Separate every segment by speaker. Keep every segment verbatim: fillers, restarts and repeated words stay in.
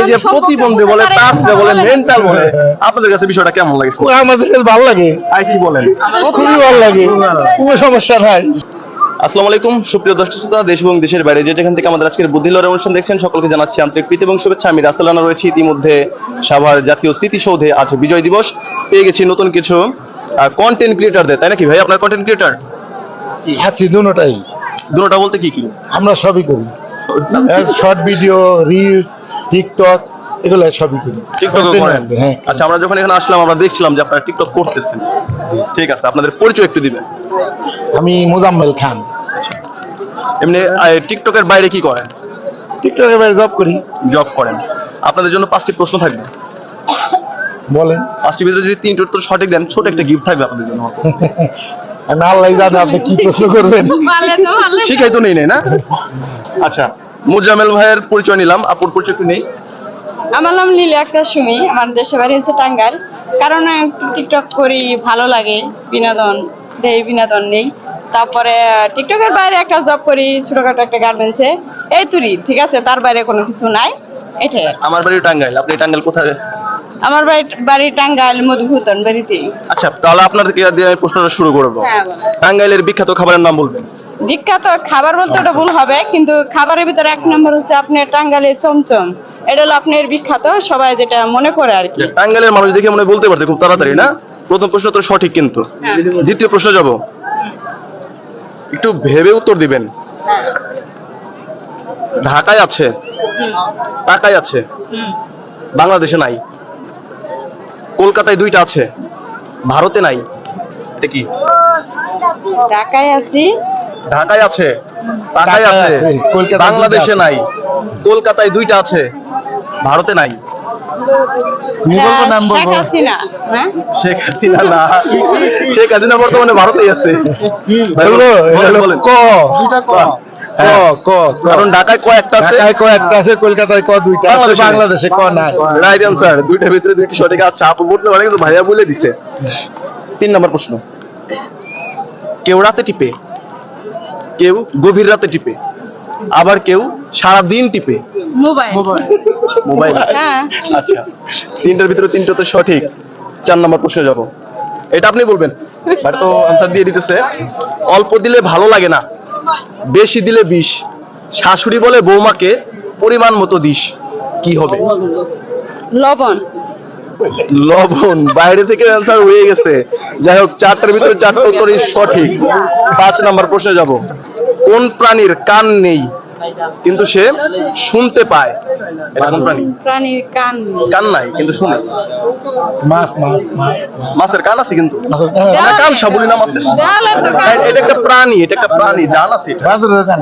Speaker 1: যে প্রতিবন্ধী বলে, টার্সে বলে, মেন্টাল বলে, আপনাদের কাছে বিষয়টা কেমন লাগে?
Speaker 2: আমাদের কাছে ভালো লাগে।
Speaker 1: আর কি বলেন?
Speaker 2: খুবই ভালো লাগে, কোনো সমস্যা নাই।
Speaker 1: আসসালামু আলাইকুম সুপ্রিয় দর্শক শ্রোতা, দেশ এবং দেশের বাইরে যে যেখান থেকে আমাদের আজকের বুদ্ধি লড়াই অনুষ্ঠান দেখছেন, সকলকে জানাচ্ছি আন্তরিক প্রীতি এবং শুভেচ্ছা। আমি রাসেল রানা রয়েছি ইতিমধ্যে সাভার জাতীয় স্মৃতিসৌধে। আজ বিজয় দিবস, পেয়ে গেছি নতুন কিছু কন্টেন্ট ক্রিয়েটারদের, তাই নাকি ভাই? আপনার কন্টেন্ট ক্রিয়েটার
Speaker 2: আছি দুটোটাই।
Speaker 1: দুটোটা বলতে কি কি?
Speaker 2: আমরা সবই করি, শর্ট ভিডিও, রিলস, টিকটক, এগুলো সবই করি।
Speaker 1: টিকটক করেন?
Speaker 2: হ্যাঁ।
Speaker 1: আচ্ছা, আমরা যখন এখানে আসলাম আমরা দেখছিলাম যে আপনারা টিকটক করতেছেন। ঠিক আছে, আপনাদের পরিচয় একটু দিবেন।
Speaker 2: আমি মোজাম্মেল খান।
Speaker 1: এমনি টিকটকের বাইরে কি করেন?
Speaker 2: টিকটকের বাইরে জব করি।
Speaker 1: জব করেন। আপনাদের জন্য পাঁচটি প্রশ্ন থাকবে,
Speaker 2: বলেন।
Speaker 1: পাঁচটির ভিতরে যদি তিনটি উত্তর সঠিক দেন, ছোট একটা গিফট থাকবে আপনাদের জন্য।
Speaker 2: আমি আল্লাহ জানে আপনি কি প্রশ্ন করবেন।
Speaker 1: শিখাই তো নেই নেই না? আচ্ছা, মুজাম্মেল ভাইয়ের পরিচয় নিলাম, আপুর পরিচয় একটু নেই।
Speaker 3: আমার নাম লিলি আক্তার সুমি, আমার দেশের বাড়ি হচ্ছে টাঙ্গাইল। কারণ একটু টিকটক করি, ভালো লাগে, বিনোদন দেই, বিনোদন নেই। তারপরে টিকটকের বাইরে একটা জব করি, ছোটখাটো একটা গার্মেন্টসে, এই তুরি। ঠিক আছে, তার বাইরে কোনো কিছু নাই, এটাই।
Speaker 1: আমার বাড়ি টাঙ্গাইল। আপনি টাঙ্গাইল কোথায়?
Speaker 3: আমার বাড়ি বাড়ি টাঙ্গাইল মধুভূতন বাড়িতে।
Speaker 1: আচ্ছা, তাহলে আপনাদেরকে দিয়ে আমি প্রশ্নটা শুরু করবো।
Speaker 3: হ্যাঁ, বলেন।
Speaker 1: টাঙ্গাইলের বিখ্যাত খাবারের নাম বলবেন।
Speaker 3: বিখ্যাত খাবার বলতে ওটা ভুল হবে, কিন্তু খাবারের ভিতরে এক নম্বর হচ্ছে আপনার টাঙ্গাইলের চমচম। এটা হলো আপনার বিখ্যাত, সবাই যেটা মনে করে আর কি।
Speaker 1: টাঙ্গাইলের মানুষ দেখে মনে বলতে পারছে খুব তাড়াতাড়ি না? প্রথম প্রশ্ন তো সঠিক, কিন্তু
Speaker 3: হ্যাঁ।
Speaker 1: দ্বিতীয় প্রশ্ন যাব, একটু ভেবে উত্তর দিবেন।
Speaker 3: হ্যাঁ।
Speaker 1: ঢাকায় আছে, টাকায় আছে,
Speaker 3: হুম।
Speaker 1: বাংলাদেশে নাই। কলকাতায় দুইটা আছে, ভারতে নাই। এটা কি?
Speaker 3: ঢাকায় আছি,
Speaker 1: ঢাকায় আছে, টাকায় আছে,
Speaker 2: কলকাতায়
Speaker 1: বাংলাদেশে
Speaker 2: দুইটা
Speaker 1: নাই। কলকাতায় দুইটা আছে, ভারতে নাই।
Speaker 2: তুমি বলবো, নাম
Speaker 3: শেখ
Speaker 2: বলবো।
Speaker 3: হাসিনা। হ্যাঁ,
Speaker 1: শেখ হাসিনা না, শেখ হাসিনা বর্তমানে ভারতেই আছে।
Speaker 2: বলবো, এটা হলো
Speaker 1: বলেন।
Speaker 2: ক।
Speaker 1: বাহ।
Speaker 2: ক, ক, ক।
Speaker 1: কারণ ঢাকায় কয়েকটা আছে,
Speaker 2: ঢাকায় ক একটা আছে, কলকাতায় ক দুইটা আছে,
Speaker 1: বাংলাদেশে নাই।
Speaker 2: বাংলাদেশে ক নাই।
Speaker 1: Right answer. দুইটার ভিতরে দুইটি সঠিক। আচ্ছা, আপু বলতে পারে কিন্তু ভাইয়া বলে দিছে। তিন নম্বর প্রশ্ন, কেউ রাতে টিপে, কেউ গভীর রাতে টিপে, আবার কেউ সারা দিন টিপে।
Speaker 3: মোবাইল।
Speaker 1: মোবাইল।
Speaker 3: হ্যাঁ।
Speaker 1: আচ্ছা, তিনটার ভিতরে তিনটা তো সঠিক। চার নম্বর প্রশ্নে যাব, এটা আপনি বলবেন। বাট তো আনসার দিয়ে দিতেছে। অল্প দিলে ভালো লাগে না, বেশি দিলে বিষ। শাশুড়ি বলে বৌমাকে পরিমাণ মতো দিস। কি হবে?
Speaker 3: লবণ।
Speaker 1: লবণ। বাইরে থেকে অ্যান্সার হয়ে গেছে। যাই হোক, চারটার ভিতরে চারটা উত্তরই সঠিক। পাঁচ নাম্বার প্রশ্নে যাব, কোন প্রাণীর কান নেই কিন্তু সে শুনতে পায়? এটা কোন প্রাণী?
Speaker 3: প্রাণীর কান নেই।
Speaker 1: কান নাই কিন্তু শুনে।
Speaker 2: মাছ, মাছ, মাছ।
Speaker 1: মাছের কান আছে কিন্তু
Speaker 2: মাছের কান
Speaker 1: আমরা কান সাবুলি না মাছের।
Speaker 3: দেওয়ালের তো কান।
Speaker 1: এটা একটা প্রাণী, এটা একটা প্রাণী, ডান আছে এটা।
Speaker 2: বাদুড়ের কান।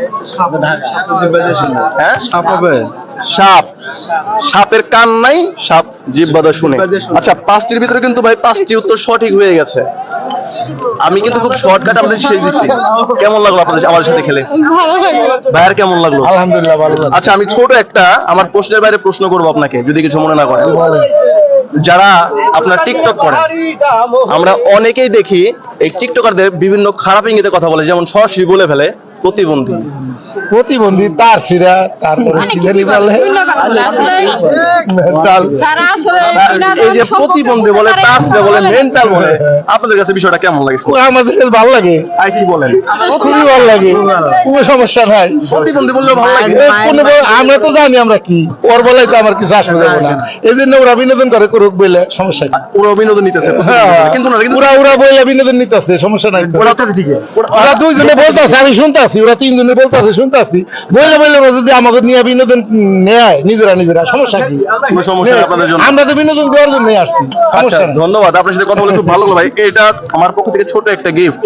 Speaker 1: হ্যাঁ,
Speaker 2: সাপ হবে।
Speaker 1: সাপ। সাপের কান নাই, সাপ জিহ্বা শুনে। আচ্ছা, পাঁচটির ভিতরে কিন্তু ভাই পাঁচটি উত্তর সঠিক হয়ে গেছে। আমি কিন্তু খুব শর্টকাট আপনাদের শেষ দিচ্ছি। কেমন লাগলো আপনাদের আমার সাথে খেলে?
Speaker 3: ভালো লাগে।
Speaker 1: ভাইয়ার কেমন লাগলো?
Speaker 2: আলহামদুলিল্লাহ, ভালো লাগছে।
Speaker 1: আচ্ছা, আমি ছোট একটা আমার প্রশ্নের বাইরে প্রশ্ন করবো আপনাকে, যদি কিছু মনে না করেন।
Speaker 2: বলেন।
Speaker 1: যারা আপনার টিকটক করেন, আমরা অনেকেই দেখি এই টিকটকারদের বিভিন্ন খারাপ ইঙ্গিতে কথা বলে, যেমন সরাসরি বলে ফেলে প্রতিবন্ধী।
Speaker 2: প্রতিবন্ধী, তার সিরা, তারপরে
Speaker 3: মানে
Speaker 2: কি
Speaker 3: কি
Speaker 2: জানি বলে,
Speaker 3: বিভিন্ন কথা বলে। আসলে
Speaker 2: তার
Speaker 3: তারা আসলে বিনোদন
Speaker 1: এই যে
Speaker 3: সম্পর্কে
Speaker 1: প্রতিবন্ধী বলে,
Speaker 3: বুঝতে পারে
Speaker 1: টার্সে
Speaker 3: না,
Speaker 1: বলে,
Speaker 3: ভালো লাগে।
Speaker 1: মেন্টাল বলে, আপনাদের কাছে বিষয়টা কেমন লাগে?
Speaker 2: আমাদের কাছে ভালো লাগে,
Speaker 1: আর কি বলেন?
Speaker 2: খুবই ভালো লাগে, কোনো সমস্যা নাই।
Speaker 1: প্রতিবন্ধী বললেও ভালো লাগে।
Speaker 2: এ কোনো বল- আমরা তো জানি আমরা কি, ওর বলাই তো আমার কিছু আসবে যাবে না। এই জন্য ওরা বিনোদন করে, করুক বলে সমস্যা কি?
Speaker 1: পুরো বিনোদন নিতেছে কিন্তু না, কিন্তু
Speaker 2: ওরা ওরা বইলা বিনোদন নিতেছে, সমস্যা নাই তো।
Speaker 1: ওরা তো ঠিক।
Speaker 2: ওরা দুইজনে বলতেছে, আমি শুনতেছি, ওরা তিনজনে বলতেছে, শুনতেছি। বইলে বইলে ওরা যদি আমাকে নিয়ে বিনোদন নেয় নিজেরা নিজেরা, সমস্যা কি?
Speaker 1: কোনো সমস্যা নেই আপনাদের জন্য।
Speaker 2: আমরা তো বিনোদন দেওয়ার জন্য আসছি,
Speaker 1: আচ্ছা,
Speaker 2: সমস্যা নেই।
Speaker 1: ধন্যবাদ। আপনার সাথে কথা বলে খুব ভালো লাগলো ভাই। এটা আমার পক্ষ থেকে ছোট একটা গিফট।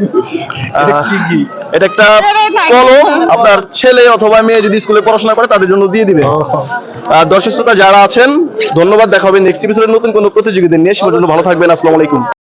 Speaker 1: এটা একটা কলম, আপনার ছেলে অথবা মেয়ে যদি স্কুলে পড়াশোনা করে তাদের জন্য দিয়ে দিবে। আর দর্শক শ্রোতা যারা আছেন, ধন্যবাদ। দেখা হবে নেক্সট এপিসোডে নতুন কোনো প্রতিযোগিতা নিয়ে। সে পর্যন্ত ভালো থাকবেন। আসসালামু আলাইকুম।